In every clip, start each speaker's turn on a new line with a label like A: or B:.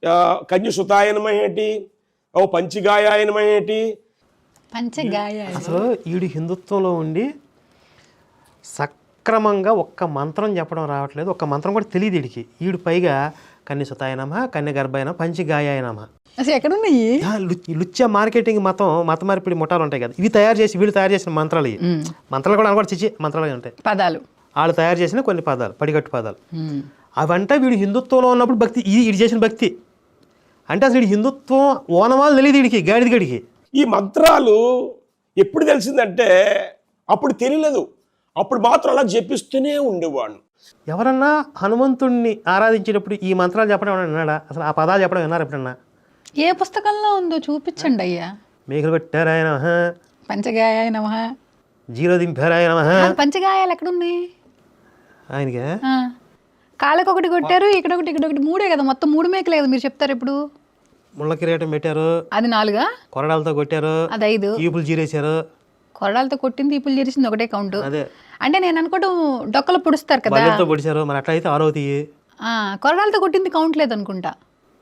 A: కన్యసుతాయనమై ఏంటి, ఓ పంచగాయాయనమై ఏంటి.
B: అసలు ఈడు హిందుత్వంలో ఉండి సక్రమంగా ఒక్క మంత్రం చెప్పడం రావట్లేదు, ఒక్క మంత్రం కూడా తెలియదు వీడికి. ఈడు పైగా కన్యసుతాయనమ, కన్యగర్భాయన, పంచగాయాయనమ.
C: అసలు ఎక్కడున్నాయి
B: లుచ్చ మార్కెటింగ్ మత మార్పిడి ముఠాలు ఉంటాయి కదా, ఇవి వీళ్ళు తయారు చేసిన మంత్రాలు. ఇవి మంత్రాలు కూడా అనమాట చిచ్చి మంత్రాలు ఉంటాయి,
C: పదాలు
B: వాళ్ళు తయారు చేసిన కొన్ని పదాలు, పడిగట్టు పదాలు. అవంటే వీడు హిందుత్వంలో ఉన్నప్పుడు భక్తి, ఇది చేసిన భక్తి అంటే అసలు వీడు హిందుత్వం ఓనమాలు తెలియదు వీడికి, గాడిద గడికి.
A: ఈ మంత్రాలు ఎప్పుడు తెలిసిందంటే అప్పుడు తెలియలేదు, అప్పుడు మాత్రం అలా జపిస్తూనే ఉండేవాడు.
B: ఎవరన్నా హనుమంతుడిని ఆరాధించేటప్పుడు ఈ మంత్రాలు చెప్పడం ఏమన్నా విన్నాడా? అసలు ఆ పదాలు చెప్పడం విన్నారు ఎప్పుడన్నా?
C: ఏ పుస్తకంలో ఉందో చూపించండి అయ్యా.
B: మేకలు కొట్టారాయన,
C: పంచగాయ నమః,
B: జీరో దింపారాయన.
C: పంచగాయాలు ఎక్కడున్నాయి
B: ఆయనకే?
C: కాళ్ళకి ఒకటి కొట్టారు, ఇక్కడ ఒకటి, ఇక్కడ ఒకటి, 3 కదా, మొత్తం 3 మేకలే కదా మీరు చెప్తారు ఇప్పుడు.
B: ముళ్ళ కిరీటం పెట్టారు,
C: అది 4,
B: కొరడాలతో కొట్టారు,
C: అది 5,
B: ఈపులు జీరేశారు.
C: కొరడాలతో కొట్టింది, ఈపులు చేసింది ఒకటే కౌంట్.
B: అదే
C: అంటే నేను అనుకోవడం డొక్కలు పొడుస్తారు కదా,
B: బల్లెలతో పొడిచారు. మరి అట్లా అయితే 6
C: కొరడాలతో కొట్టింది కౌంట్ లేదనుకుంటా.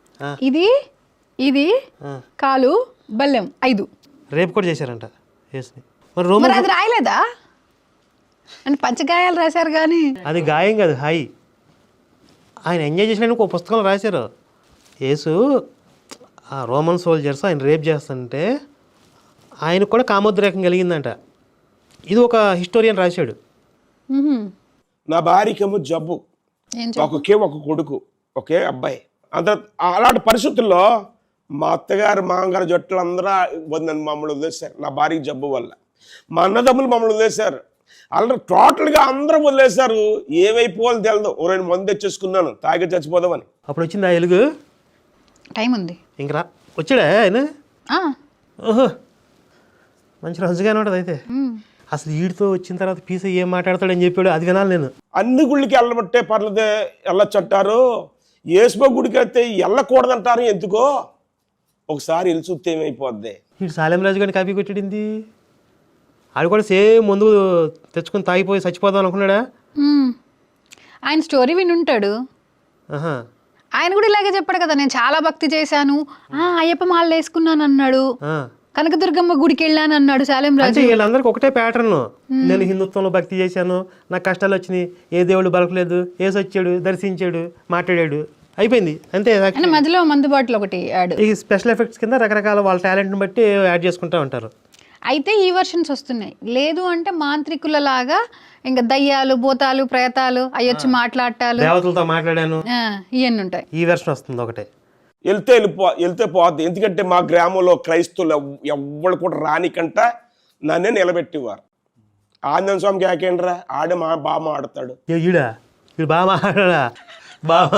C: ఇది కాలు బల్లెం 5.
B: రేపు కూడా చేశారంట.
C: మరి అది రాయలేదా? అంటే పంచగాయాలు రాశారు కానీ
B: అది గాయం కాదు, హాయి. ఆయన ఎంజాయ్ చేసిన ఒక పుస్తకంలో రాశారు. యేసు ఆ రోమన్ సోల్జర్స్ ఆయన రేప్ చేస్తుంటే ఆయనకు కూడా కామోద్రేకం కలిగిందంట. ఇది ఒక హిస్టోరియన్ రాశాడు.
A: నా భార్యకేమో జబ్బు, ఒక కొడుకు, ఒకే అబ్బాయి. అలాంటి పరిస్థితుల్లో మా అత్తగారు మామగారు జట్లు అందరూ మమ్మల్ని వదిలేశారు. నా భార్యకి జబ్బు వల్ల మా అన్నదమ్ములు మమ్మల్ని వదిలేశారు. అలా టోటల్గా అందరూ వదిలేశారు. ఏమైపోవాలో తెలియదు. ఓ 2 మంది తెచ్చేసుకున్నాను తాగి చచ్చిపోదామని.
B: అప్పుడు వచ్చింది ఆ ఎలుగు.
C: టైం ఉంది
B: ఇంకా వచ్చాడా ఆయన? ఓహో, మంచి రోజుగానే ఉంటుంది అయితే. అసలు వీడితో వచ్చిన తర్వాత పీస ఏం మాట్లాడతాడని చెప్పాడు, అది వినాలి నేను.
A: అన్ని గుళ్ళకి వెళ్ళబట్టే పర్లేదే, వెళ్ళొచ్చంటారు. యేసుబా గుడికి అయితే వెళ్ళకూడదంటారు. ఎందుకో ఒకసారి వెళ్ళి చూస్తే ఏమైపోద్ది.
B: వీడు సాలెం రాజు గారిని కాపీ కొట్టాడింది. ఆడు కూడా సేమ్ ముందు తెచ్చుకొని తాగిపోయి చచ్చిపోదాం అనుకున్నాడా?
C: ఆయన స్టోరీ వినుంటాడు. ఆయన కూడా ఇలాగే చెప్పాడు కదా, నేను చాలా భక్తి చేశాను, అయ్యప్ప మాల వేసుకున్నాను అన్నాడు, కనకదుర్గమ్మ గుడికి వెళ్ళాను అన్నాడు సాలెం రాజు.
B: వీళ్ళందరికీ ఒకటే ప్యాటర్న్. నేను హిందుత్వంలో భక్తి చేశాను, నాకు కష్టాలు వచ్చినాయి, ఏ దేవుడు బలకలేదు, ఏసు వచ్చాడు, దర్శించాడు, మాట్లాడాడు, అయిపోయింది అంతే.
C: మధ్యలో మందు బాటిల్ ఒకటి యాడ్.
B: ఈ స్పెషల్ ఎఫెక్ట్స్ కింద రకరకాల వాళ్ళ టాలెంట్ని బట్టి యాడ్ చేసుకుంటూ ఉంటారు.
C: అయితే ఈ వర్షన్స్ వస్తున్నాయి. లేదు అంటే మాంత్రికుల లాగా ఇంకా దయ్యాలు, భూతాలు, ప్రేతాలు అయ్యొచ్చి మాట్లాడటాలు,
B: దేవతలతో మాట్లాడాను,
C: ఇవన్నీ ఉంటాయి.
B: ఈ వెర్షన్ వస్తుంది ఒకటే.
A: వెళ్తే పోద్ది. ఎందుకంటే మా గ్రామంలో క్రైస్తవులు ఎవ్వరు కూడా రానికంట నన్నే నిలబెట్టేవారు. ఆంజనేయ స్వామికి ఏకేండ్రా ఆడే బాగా ఆడతాడు.
B: ఈడా వీడు బాగా మాట్లాడా బాగా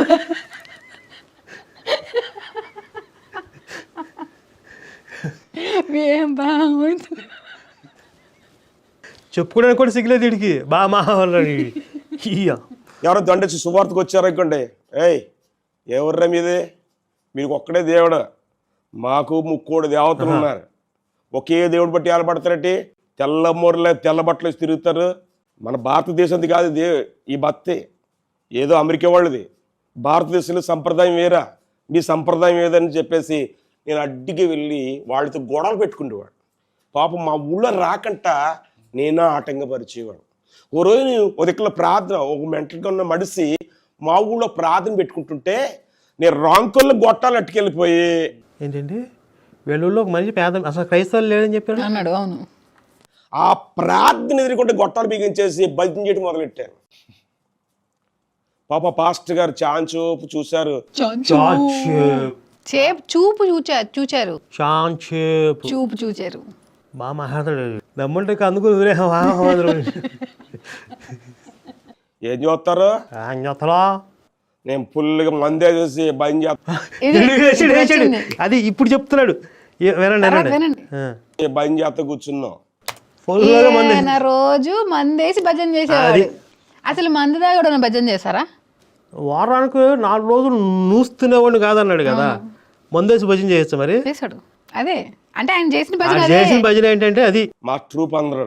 B: చెప్పుకోవడానికి కూడా సిగ్గులేదు వీడికి. బాగా మాట్లాడాడు.
A: ఎవరో దండొచ్చి సువార్తకు వచ్చారు అనుకోండి, ఎవర్రా మీదే, మీకు ఒక్కడే దేవుడు, మాకు 3 దేవతలు ఉన్నారు, ఒకే దేవుడు బట్టి ఏలబడతారటి. తెల్ల బట్టలు వేసి తిరుగుతారు. మన భారతదేశంది కాదు ఈ భక్తి, ఏదో అమెరికా వాళ్ళది. భారతదేశంలో సంప్రదాయం వేరా, మీ సంప్రదాయం ఏదని చెప్పేసి నేను అడ్డికి వెళ్ళి వాళ్ళతో గొడవలు పెట్టుకునేవాడు. పాపం మా ఊళ్ళో రాకంట నేనా ఆటంకపరిచేవాడు. ఓ రోజు ఒక దిక్కులో ప్రార్థన, ఒక మెంటల్గా ఉన్న మడిసి మా ఊళ్ళో ప్రార్థన పెట్టుకుంటుంటే నేను రాంకొల్లో గొట్టాలు అట్టుకెళ్ళిపోయి.
B: ఏంటండి వెల్లుల్లో ఒక మనిషి పేద, అసలు క్రైస్తవులు లేదని చెప్పాడు
C: అన్నాడు. అవును,
A: ఆ ప్రార్థన ఎదుర్కొంటే గొట్టాలు బిగించేసి భజన చేయడం మొదలెట్టాను. పాప పాస్టర్ గారు చాంచూపు చూశారు.
C: చూచారు
B: బాగా మాట్లాడాడు. దమ్ముంటే అందుకు
A: ఏం చూస్తారు, నేను ఫుల్గా మందే చేసి భయం చేస్తాను.
B: అది ఇప్పుడు చెప్తున్నాడు,
A: భయం చేస్తా కూర్చున్నాం.
C: రోజు మందేసి భజన చేసేవాడు. అసలు మందు దాగా భజన చేశారా?
B: వారానికి 4 రోజులు నూస్తునేవాడిని కాదన్నాడు కదా, మందేసి భజన చేయొచ్చు మరి.
C: చేశాడు అదే. అంటే ఆయన చేసిన
B: భజన ఏంటంటే అది
A: మా ట్రూప్ అందరూ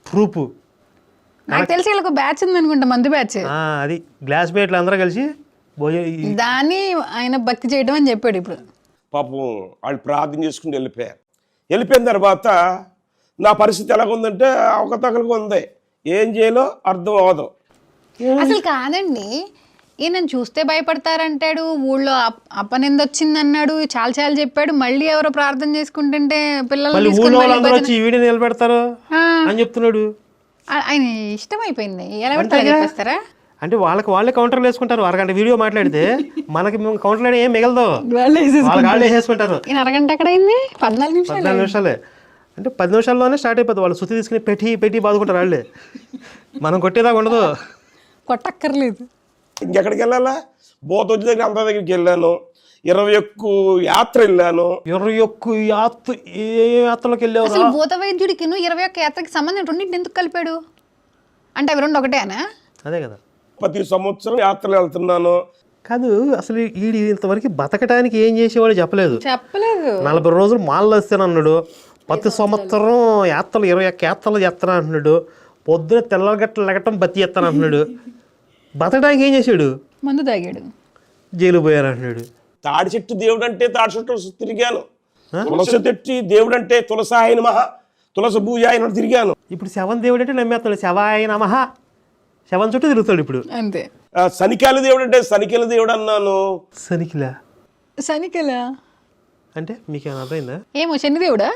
C: నాకు తెలిసి వీళ్ళకి బ్యాచ్ ఉంది అనుకుంటా, మందు బ్యాచ్.
B: అది గ్లాస్ మేట్లు అందరూ కలిసి
C: దాన్ని ఆయన భక్తి చేయడం అని చెప్పాడు ఇప్పుడు.
A: పాపం వాళ్ళు ప్రార్థన చేసుకుని వెళ్ళిపోయారు. వెళ్ళిపోయిన తర్వాత నా పరిస్థితి ఎలాగుందంటే అవకతవకలుగా ఉంది. ఏం చేయాలో అర్థం అవ్వదు.
C: అసలు కాదండి, ఈయన చూస్తే భయపడతారంటాడు, ఊళ్ళో అప్పనింద వచ్చింది అన్నాడు, చాలా చాలా చెప్పాడు. మళ్ళీ ఎవరో ప్రార్థన చేసుకుంటుంటే పిల్లలు
B: ఊళ్ళో వాళ్ళందరూ వచ్చి ఈ వీడియో నిలబెడతారు అని చెప్తున్నాడు.
C: ఆయన ఇష్టం అయిపోయింది, ఎలా పెడతారా చెప్పేస్తారా?
B: అంటే వాళ్ళే కౌంటర్లు వేసుకుంటారు. అరగంట వీడియో మాట్లాడితే మనకి కౌంటర్లో ఏం మిగలదు, వాళ్ళు వేసేసుకుంటారు.
C: ఈయన అరగంట ఎక్కడ అయింది? 14
B: నిమిషాలే. అంటే 10 నిమిషాల్లోనే స్టార్ట్ అయిపోతుంది. వాళ్ళు సుత్తి తీసుకుని పెట్టి బాదుకుంటారు వాళ్ళే. మనం కొట్టేదాకా ఉండదు,
C: కొట్టక్కర్లేదు.
A: ఇంకెక్కడికి వెళ్ళాలా? బోతొచ్చి దగ్గర అంత దగ్గరికి వెళ్ళాను. 21 యాత్ర వెళ్ళాను.
B: 21 యాత్ర. ఏ యాత్రలోకి వెళ్ళావు?
C: అసలు భూత వైద్యుడికి 21 యాత్రకి సంబంధం రెండింటిని ఎందుకు కలిపాడు? అంటే అవి రెండు ఒకటేనా?
B: అదే కదా.
A: ప్రతి సంవత్సరం యాత్రలు వెళ్తున్నాను.
B: కాదు, అసలు వీడి ఇంతవరకు బతకడానికి ఏం చేసేవాడు చెప్పలేదు. 40 రోజులు మాలలు వస్తానన్నాడు. ప్రతి సంవత్సరం యాత్రలు 21 యాత్రలు చేస్తాను అంటున్నాడు. పొద్దున తెల్లగట్టలు లెగటం బతి చేస్తాను అంటున్నాడు. బతకడానికి ఏం చేశాడు?
C: మందు తాగాడు,
B: జైలు పోయారు అంటున్నాడు.
A: తాడి చెట్టు దేవుడు అంటే తాడి చెట్టు తిరిగాను. తులసి తెట్టి దేవుడు అంటే తులసాయన మహా తులసి భూజాయన తిరిగాను.
B: ఇప్పుడు శవం దేవుడు అంటే నమ్మేస్తాడు. శవాయ నమః, శవం చుట్టూ తిరుగుతాడు ఇప్పుడు
C: అంతే.
A: శనికాల దేవుడు అంటే శనికిల దేవుడు అన్నాను.
C: శనికలా
B: అంటే మీకేమైనా అర్థమైందా?
C: ఏమో శని దేవుడా?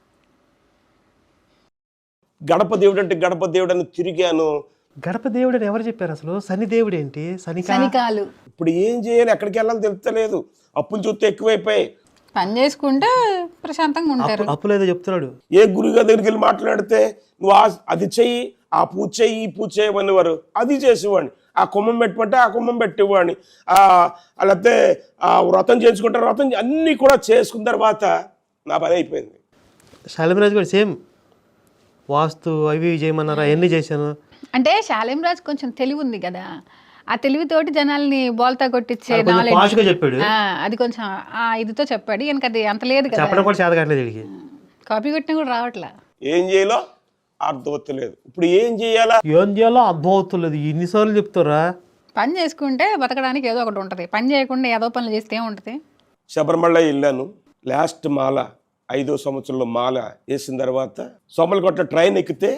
A: గడప దేవుడు అంటే గడప దేవుడు అని తిరిగాను.
B: గడప దేవుడు అని ఎవరు చెప్పారు అసలు? శని దేవుడు ఏంటి?
C: శనికాలు.
A: ఇప్పుడు ఏం చేయాలి, ఎక్కడికి వెళ్ళాలి తెలుస్తలేదు. అప్పులు చూస్తే ఎక్కువైపోయాయి.
C: పని చేసుకుంటే ప్రశాంతంగా ఉంటారు.
B: అప్పులు ఏదో చెప్తున్నాడు.
A: ఏ గురుగారి దగ్గరికి వెళ్ళి మాట్లాడితే నువ్వు అది చెయ్యి, ఆ పూజ చెయ్యి, ఈ పూజ చేయమనేవారు. అది చేసేవాడిని. ఆ కుమ్మం పెట్టమంటే ఆ కుమ్మం పెట్టేవాడిని. లేకపోతే ఆ వ్రతం చేసుకుంటే వ్రతం అన్నీ కూడా చేసుకున్న తర్వాత నా పని అయిపోయింది.
B: శాలిమరాజు కూడా సేమ్ వాస్తు అవి చేయమన్నారు, అవన్నీ చేశాను.
C: అంటే శాలేం రాజు కొంచెం తెలివి ఉంది కదా, ఆ తెలివితోటి జనాల్ని బోల్తా కొట్టించే
B: చెప్పాడు.
C: అది కొంచెం ఇదితో చెప్పాడు. ఈయనకి అది అంత లేదు కదా,
B: చెప్పడం కూడా చేత కావట్లేదు వీడికి.
C: కాపీ కొట్టినా కూడా రావట్లా.
A: ఏం చేయాలో అర్థమవుతలేదు. ఇప్పుడు ఏం చేయాలో
B: అర్థం అవుతలేదు. ఎన్నిసార్లు చెప్తారా?
C: పని చేసుకుంటే బతకడానికి ఏదో ఒకటి ఉంటుంది, పని చేయకుండా ఏదో పనులు చేస్తే ఏముంటుంది?
A: శబరిమల వెళ్ళాను. లాస్ట్ మాల 5వ సంవత్సరంలో మాల వేసిన తర్వాత సోమలకోట ట్రైన్ ఎక్కితే,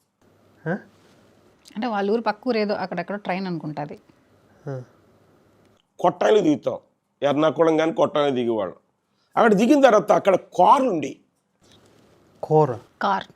C: అంటే వాళ్ళ ఊరు పక్క ఊరు ఏదో అక్కడెక్కడ ట్రైన్ అనుకుంటుంది,
A: కొట్టాయిలు దిగుతాం. ఎర్నాకుళం కానీ కొట్టాయిలు దిగేవాళ్ళం. అక్కడ దిగిన తర్వాత అక్కడ కారు ఉండి
C: కార్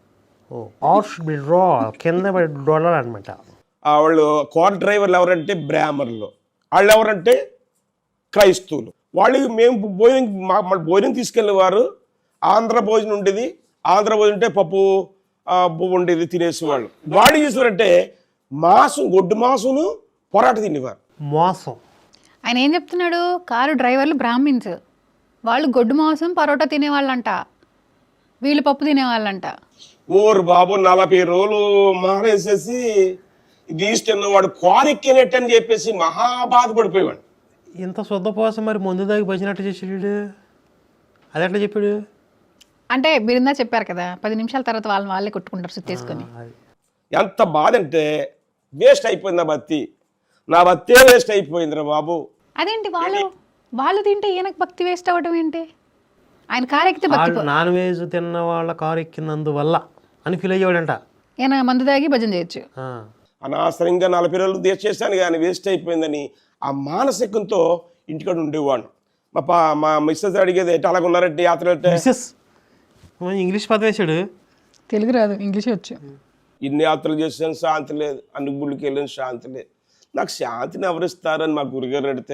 B: కింద అనమాట.
A: వాళ్ళు కార్ డ్రైవర్లు ఎవరంటే బ్రాహ్మణులు, వాళ్ళు ఎవరంటే క్రైస్తవులు. వాళ్ళు మేము భోజనం తీసుకెళ్ళేవారు. ఆంధ్ర భోజనం ఉండేది. ఆంధ్ర భోజనం అంటే పప్పు ఉండేది, తినేసేవాళ్ళు. వాళ్ళు చేసేవారంటే మాంసం, గొడ్డు మాంసము పొరాట తినేవారు.
B: మోసం.
C: ఆయన ఏం చెప్తున్నాడు? కారు డ్రైవర్లు బ్రాహ్మిన్స్, వాళ్ళు గొడ్డు మాంసం పరోటా తినేవాళ్ళంట, వీళ్ళు పప్పు తినేవాళ్ళంట.
A: ఓరు బాబు 40 రోజులు మానేసేసి దీసి తిన్నవాడు కారు ఎక్కినట్టు అని చెప్పేసి మహా బాధపడిపోయేవాడు.
B: ఇంత శుద్ధపోసం మరి ముందు దాకా భజనట్టు చేసాడు. అది ఎట్లా చెప్పాడు?
C: అంటే మీరిందా చెప్పారు కదా, 10 నిమిషాల తర్వాత వాళ్ళే కొట్టుకుంటారు సుత్తేసుకొని.
A: ఎంత బాధ అంటే వేస్ట్ అయిపోయింది నా భక్తి. నా భక్తే వేస్ట్ అయిపోయిందిరా బాబు.
C: అదేంటి వాళ్ళు తింటే ఈయనకు భక్తి వేస్ట్ అవ్వడం ఏంటి? ఆయన కారు ఎక్కితే భక్తి.
B: నాన్ వెజ్ తిన్న వాళ్ళ కారు ఎక్కినందువల్ల అని ఫీల్ అయ్యాడంట.
C: ఈయన మందు తాగి భజన చేయొచ్చు.
A: అనవసరంగా 40 రోజులు దేశ చేశాను కానీ వేస్ట్ అయిపోయిందని ఆ మానసికంతో ఇంటికాడ ఉండేవాడు. మా మిస్సెస్ అడిగేది ఎట్లా అలాగ ఉన్నారంటే యాత్ర
B: ఇంగ్లీష్ పదం వేసాడు.
C: తెలుగు రాదు, ఇంగ్లీష్ వచ్చు.
A: ఇన్ని యాత్రలు చేసాను, శాంతి లేదు. అన్ని గుళ్ళకి వెళ్ళాను, శాంతి లేదు. నాకు శాంతిని ఎవరిస్తారని మా గురుగారు అడిగితే,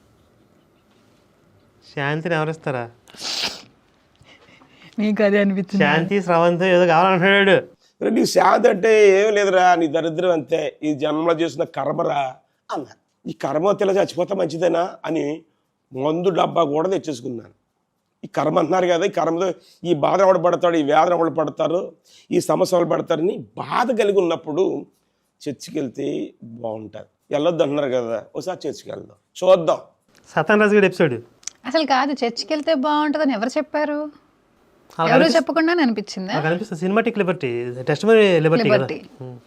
B: శాంతిని ఎవరిస్తారా?
C: నీకు అదే అనిపించింది.
B: శాంతి స్రవంతి ఏదో కావాలంటున్నాడు.
A: నీ శాంతి అంటే ఏం లేదురా, నీ దరిద్రం అంతే, ఈ జన్మలో చేసిన కర్మరా అన్నారు. ఈ కర్మ తెల చచ్చిపోతే మంచిదేనా అని మందు డబ్బా కూడా తెచ్చేసుకున్నాను. ఈ కర్మ అంటున్నారు కదా, ఈ కర్మతో ఈ బాధ ఎవడు పడతాడు, ఈ వేదన ఎవడు పడతారు, ఈ సమస్య ఎవరు పడతారని బాధ కలిగి ఉన్నప్పుడు చర్చికి వెళ్తే బాగుంటుంది. వెళ్ళొద్దు అంటున్నారు కదా, ఒకసారి చర్చికి వెళ్దాం, చూద్దాం.
B: సతాన్ రాజు గారి ఎపిసోడ్
C: అసలు కాదు, చర్చికి వెళ్తే బాగుంటుందని ఎవరు చెప్పారు? ఎవరు చెప్పకుండా అనిపించింది.
B: Cinematic liberty, testimony Liberty.